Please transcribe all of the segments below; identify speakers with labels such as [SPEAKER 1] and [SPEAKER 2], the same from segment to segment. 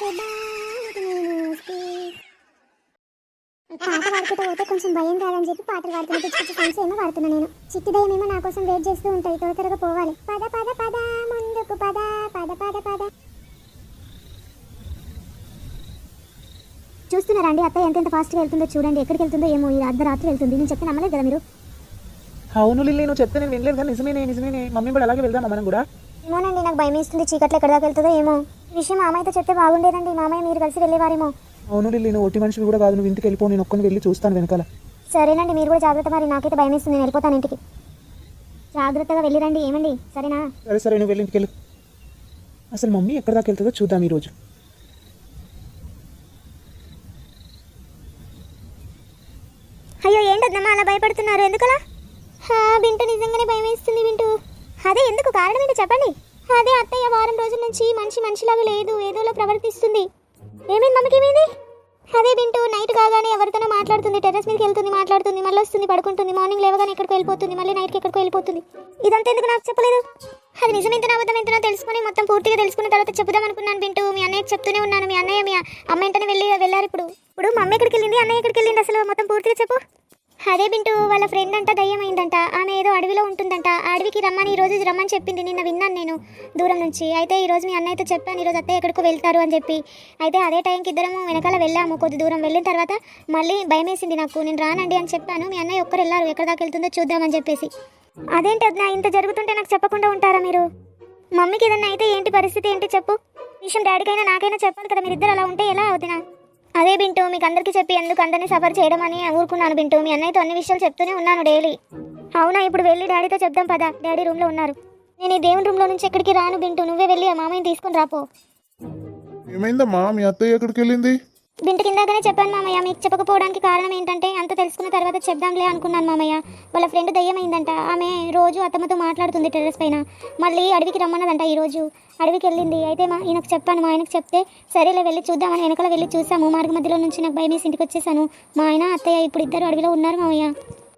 [SPEAKER 1] పాట పాడుకుంటూ పోతే కొంచెం భయం కాదని చెప్పి పాటలు పాడుతున్నా. పిచ్చి పిచ్చి సాంగ్స్ ఏమో పాడుతున్నా నేను. చిట్టి దయ్యం ఏమో నా కోసం వెయిట్ చేస్తూ ఉంటాయి. త్వరగా పోవాలి. పద పద పద ముందుకు పద పద పద పద. చూస్తున్నారా అండి అత్తయ్య ఎంత ఫాస్ట్గా వెళ్తుందో చూడండి. ఎక్కడికి వెళ్తుందో ఏమో. ఈ అర్ధరాత్రి వెళ్తుంది. నేను చెప్తే నమ్మలేదు కదా మీరు.
[SPEAKER 2] అవును లిల్లీ, నువ్వు చెప్తే నేను వినలేదు కానీ నిజమే. మమ్మీ కూడా అలాగే వెళ్దామా మనం కూడా?
[SPEAKER 1] ఏమోనండి, నాకు భయం వేస్తుంది. చీకట్లో ఎక్కడ దాకా వెళ్తుందో ఏమో. ఈ విషయం మామయ్యతో చెప్తే బాగుండేదండి. మామయ్య మీరు కలిసి వెళ్ళేవారేమో.
[SPEAKER 2] అవును లిల్లీ, నువ్వు ఒట్టి మనిషివి కూడా కాదు. నువ్వు ఇంటికి వెళ్ళిపో, నేను ఒక్కని వెళ్ళి చూస్తాను వెనకాల.
[SPEAKER 1] సరేనండి, మీరు కూడా జాగ్రత్త. మరి నాకైతే భయం వేస్తుంది. నేను వెళ్ళిపోతాను ఇంటికి. జాగ్రత్తగా వెళ్ళిరండి. ఏమండి? సరేనా?
[SPEAKER 2] సరే నువ్వు వెళ్ళి ఇంటికి వెళ్ళు. అసలు మమ్మీ ఎక్కడ దాకా వెళ్తుందో చూద్దాం ఈరోజు.
[SPEAKER 1] అయ్యో ఏంటమ్మా అలా భయపడుతున్నారు? ఎందుకలా? బింటు నిజంగానే భయం వేస్తుంది బింటు. అదే ఎందుకు? కారణం ఏంటో చెప్పండి. అదే అత్తయ్య వారం రోజుల నుంచి మనిషిలాగా లేదు, ఏదోలా ప్రవర్తిస్తుంది. ఏమైంది మమ్మీకి? ఏమైంది? అదే బింటు నైట్ కాగానే ఎవరితోనో మాట్లాడుతుంది, టెర్రస్ మీదకి వెళ్తుంది, మాట్లాడుతుంది, మళ్ళీ వస్తుంది, పడుకుంటుంది, మార్నింగ్ లేవగానే ఎక్కడికి వెళ్ళిపోతుంది, మళ్ళీ నైట్కి ఎక్కడికి వెళ్ళిపోతుంది. ఇదంతా ఎందుకు నాకు చెప్పలేదు? అది నిజమెంతనో అబద్ధం ఎంతనో తెలుసుకుని మొత్తం పూర్తిగా తెలుసుకున్న తర్వాత చెప్పుదాం అనుకున్నాను బింటు. మీ అన్నయ్యకి చెప్తూనే ఉన్నాను. మీ అన్నయ్య మీ అమ్మ వెంటనే వెళ్ళారు. ఇప్పుడు మమ్మీ ఎక్కడికి వెళ్ళింది, అన్నయ్య ఎక్కడికి వెళ్ళింది, అసలు మొత్తం పూర్తిగా చెప్పు. అదే బింటు వాళ్ళ ఫ్రెండ్ అంట దయ్యం అయిందంట. ఆమె ఏదో అడవిలో ఉంటుందంట. అడవికి రమ్మని ఈ రోజు రమ్మని చెప్పింది. నిన్న విన్నాను నేను దూరం నుంచి. అయితే ఈరోజు మీ అన్నయ్యతో చెప్పాను ఈరోజు అత్తయ్య ఎక్కడికో వెళ్తారు అని చెప్పి. అయితే అదే టైంకి ఇద్దరము వెనకాల వెళ్ళాము. కొద్ది దూరం వెళ్ళిన తర్వాత మళ్ళీ భయం వేసింది నాకు. నేను రానండి అని చెప్పాను. మీ అన్నయ్య ఒక్కరు వెళ్ళారు. ఎక్కడ దాకా వెళ్తుందో చూద్దామని చెప్పేసి. అదేంటి వదినా, ఇంత జరుగుతుంటే నాకు చెప్పకుండా ఉంటారా మీరు? మమ్మీకి ఏదన్నా అయితే ఏంటి పరిస్థితి ఏంటి చెప్పు. విషయం డాడీకైనా నాకైనా చెప్పాలి కదా. మీరిద్దరు అలా ఉంటే ఎలా అవుతున్నా? అదే బింటు మీకు అందరికీ చెప్పి ఎందుకు అందరినీ సఫర్ చేయడం అని ఊరుకున్నాను బింటు. మీ అన్నయ్యతో అన్ని విషయాలు చెప్తూనే ఉన్నాను డైలీ. అవునా, ఇప్పుడు వెళ్ళి డాడీతో చెప్దాం పదా. డాడీ రూమ్లో ఉన్నారు. నేను ఈ దేవుని రూమ్లో నుంచి ఎక్కడికి రాను బింటు. నువ్వే వెళ్ళి ఆ మామయ్యని తీసుకుని రాపో.
[SPEAKER 3] ఏమైందమ్మా, మీ అత్తయ్య ఎక్కడికి వెళ్ళింది?
[SPEAKER 1] బింటు కిందాకనే చెప్పాను మామయ్య. మీకు చెప్పకపోవడానికి కారణం ఏంటంటే అంత తెలుసుకున్న తర్వాత చెప్దాంలే అనుకున్నాను మామయ్య. వాళ్ళ ఫ్రెండ్ దయ్యమైందంట. ఆమె రోజు అత్తమ్మతో మాట్లాడుతుంది టెర్రస్ పైన. మళ్ళీ అడవికి రమ్మన్నదంట. ఈరోజు అడవికి వెళ్ళింది. అయితే ఈయనకు చెప్పాను. మా ఆయనకు చెప్తే సరేలే వెళ్ళి చూద్దామని వెనకాల వెళ్ళి చూసాము. మార్గ మధ్యలో నుంచి నాకు భయం వేసి ఇంటికి వచ్చేసాను. మా ఆయన అత్తయ్య ఇప్పుడు ఇద్దరు అడవిలో ఉన్నారు మామయ్య.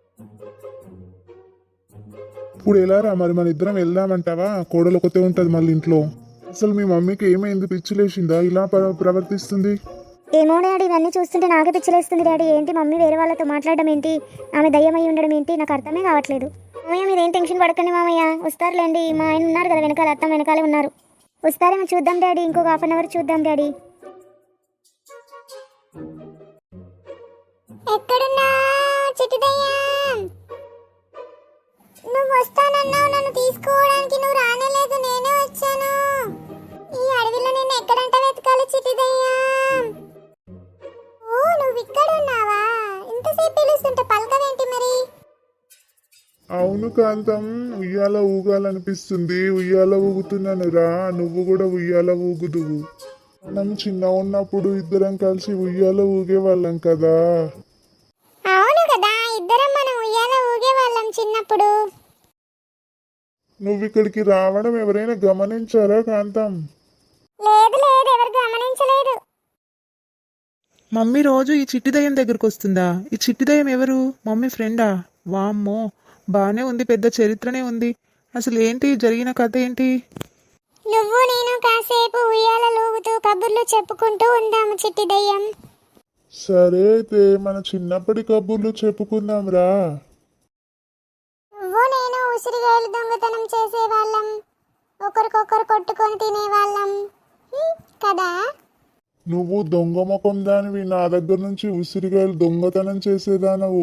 [SPEAKER 3] ఇప్పుడు ఎలా రా మరి, మన ఇద్దరం వెళ్దామంటావా? కోడలు ఒకతే ఉంటుంది మళ్ళీ ఇంట్లో. అసలు మీ మమ్మీకి ఏమైంది? పిచ్చిలేసిందా ఇలా ప్రవర్తిస్తుంది?
[SPEAKER 1] ఏమో డాడీ, ఇవన్నీ చూస్తుంటే నాకే పిచ్చిలేస్తుంది డాడీ. ఏంటి మమ్మీ వేరే వాళ్ళతో మాట్లాడడం ఏంటి, ఆమె దయ్యమై ఉండడం ఏంటి, నాకు అర్థమే కావట్లేదు. మామయ్య మీరేం టెన్షన్ పడకండి మామయ్య, వస్తారులేండి. మా ఆయన ఉన్నారు కదా వెనకాల, అత్త వెనకాలే ఉన్నారు. వస్తారేమో చూద్దాం డాడీ. ఇంకొక హాఫ్ అన్ అవర్ చూద్దాం డాడీ. ఎక్కడున్నా చిట్టి దయ్యం? నువ్వు వస్తానన్నావు, నన్ను తీసుకోవడానికి నువ్వు రానేలేదు. నేనే వచ్చాను. ఈ అడవిలో నేను ఎక్కడంట వెతకాలి చిట్టి దయ్యం? ఓ నువ్వు ఇక్కడ ఉన్నావా? ఇంతసేపు పిలుస్తుంటే పలకవేంటి మరి?
[SPEAKER 3] అవును కాంతం, ఉయ్యాల ఊగాలనిపిస్తుంది. ఉయ్యాల ఊగుతున్నాను రా, నువ్వు కూడా ఉయ్యాల ఊగుదువు. మనం చిన్న ఉన్నప్పుడు ఇద్దరం కలిసి ఉయ్యాల ఊగేవాళ్ళం కదా.
[SPEAKER 1] అవును కదా, ఇద్దరం మనం ఉయ్యాల ఊగేవాళ్ళం చిన్నప్పుడు.
[SPEAKER 3] నువ్వు ఇక్కడికి రావడం ఎవరైనా గమనించారా కాంతం?
[SPEAKER 1] లేదు ఎవరు గమనించలేదు.
[SPEAKER 2] మమ్మీ రోజు ఈ చిట్టి దయ్యం దగ్గరకు వస్తుందా? ఈ చిట్టి దయ్యం ఎవరు? మమ్మీ ఫ్రెండా? వామ్మో, బాగానే ఉంది, పెద్ద చరిత్రనే ఉంది. అసలు ఏంటి జరిగిన కథ ఏంటి?
[SPEAKER 1] నువ్వు నేను కాసేపు ఉయ్యాల ఊగుతూ కబుర్లు చెప్పుకుంటూ ఉందాము చిట్టి దయ్యం.
[SPEAKER 3] సరే అయితే మన చిన్నప్పటి కబుర్లు చెప్పుకుందాం రా.
[SPEAKER 1] నువ్వు నేను ఉసిరిగాయలు దొంగతనం చేసేవాళ్ళం, ఒకరికొకరు కొట్టుకొని తినేవాళ్ళం కదా.
[SPEAKER 3] నువ్వు దొంగ ముఖం దానివి, నా దగ్గర నుంచి ఉసిరికాయలు దొంగతనం చేసేదానవు.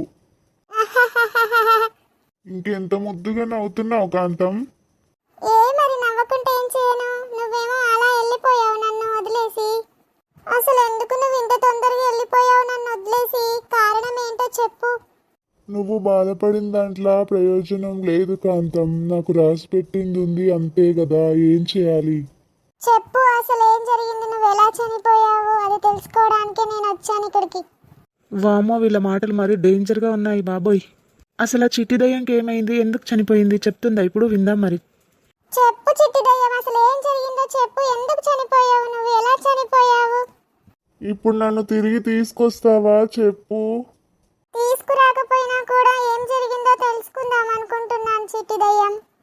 [SPEAKER 3] ఇంకెంత ముద్దుగా నవ్వుతున్నావు కాంతం.
[SPEAKER 1] ఏ మరి నవ్వకుంటే ఏం చేయను? నువ్వేమో అలా వెళ్ళిపోయావు నన్ను వదిలేసి. అసలు ఎందుకు నువ్వు ఇంత తొందరగా వెళ్ళిపోయావు నన్ను వదిలేసి? కారణం ఏంటో చెప్పు.
[SPEAKER 3] నువ్వు బాధపడిన దాంట్లో ప్రయోజనం లేదు కాంతం. నాకు రాసి పెట్టింది ఉంది అంతే కదా, ఏం చేయాలి
[SPEAKER 1] చెప్పు. అసలు ఏం జరిగింది? నువ్వు ఎలా చనిపోయావు అది తెలుసుకోవడానికే నేను వచ్చాను ఇక్కడికి.
[SPEAKER 2] వామ్మో, వీళ్ళ మాటలు మరీ డేంజర్గా ఉన్నాయి బాబోయ్. అసలు ఆ చిట్టి దయ్యంకి ఏమైంది, ఎందుకు చనిపోయింది చెప్తుందా? ఇప్పుడు విందాం మరి.
[SPEAKER 1] చెప్పు చిట్టి దయ్యం, అసలు ఏం జరిగిందో చెప్పు. ఎందుకు చనిపోయావు? నువ్వు ఎలా చనిపోయావు?
[SPEAKER 3] ఇప్పుడు నన్ను తిరిగి తీసుకొస్తావా చెప్పు.
[SPEAKER 1] తీసుకురాకపోయినా కూడా ఏం జరిగిందో తెలుసుకుందాం అనుకుంటున్నాను చిట్టి దయ్యం.